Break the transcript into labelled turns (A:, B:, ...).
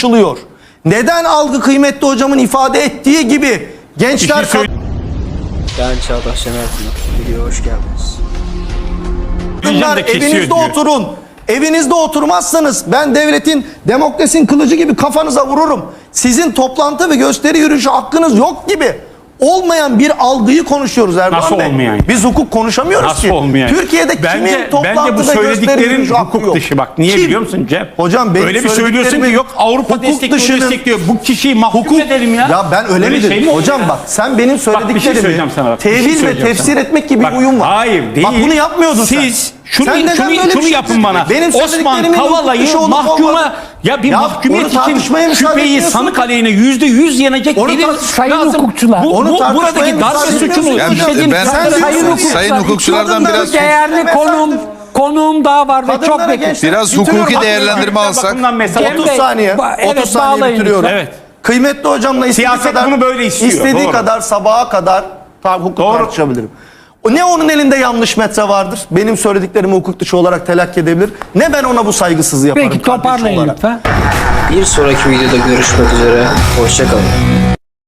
A: tartışılıyor? Neden algı kıymetli hocamın ifade ettiği gibi gençler...
B: Ben Çağdaş Şener Pınar. Videoya hoş geldiniz.
A: Bunlar evinizde oturun. Evinizde oturmazsanız ben devletin, demokrasinin kılıcı gibi kafanıza vururum. Sizin toplantı ve gösteri yürüyüşü hakkınız yok gibi olmayan bir algıyı konuşuyoruz Erdoğan
C: Nasıl
A: Bey.
C: olmayan?
A: Biz hukuk konuşamıyoruz
C: Nasıl
A: ki.
C: olmayan?
A: Türkiye'de kimin toplantı
C: bence bu
A: ve gösteri
C: söylediklerin
A: yürüyüşü hakkı
C: hukuk
A: yok?
C: dışı bak. Niye biliyor musun Cem?
A: Hocam benim
C: öyle bir söylüyorsun ki yok Avrupa destekliyor. Bu kişiyi mahkum edelim ya.
A: Ya ben öyle mi dedim? Hocam bak sen benim söylediklerimi tevil ve tefsir etmek gibi bir uyum var.
C: Hayır değil.
A: Bak bunu yapmıyordun
C: siz.
A: Sen.
C: Şunu yapın bana. Osman Kavala'yı mahkuma mahkumiyet için şüpheyi sanık aleyhine %100 yenecek delil
D: sayın
C: lazım.
D: hukukçular.
C: Buradaki darbe suçunu
E: sayın hukukçulardan biraz
D: değerli konuğum daha var ve çok
E: biraz hukuki değerlendirme alsak.
A: 30 saniye. 30 saniye bitiriyorum.
C: Evet.
A: Kıymetli hocamla
C: siyaset bunu böyle istiyor.
A: İstediği kadar sabaha kadar hukuk tartışabilirim. Ne onun elinde yanlış metre vardır. Benim söylediklerimi hukuk dışı olarak telakki edebilir. Ne ben ona bu saygısızlığı yaparım.
D: Peki toparlayın lütfen.
B: Bir sonraki videoda görüşmek üzere. Hoşça kalın.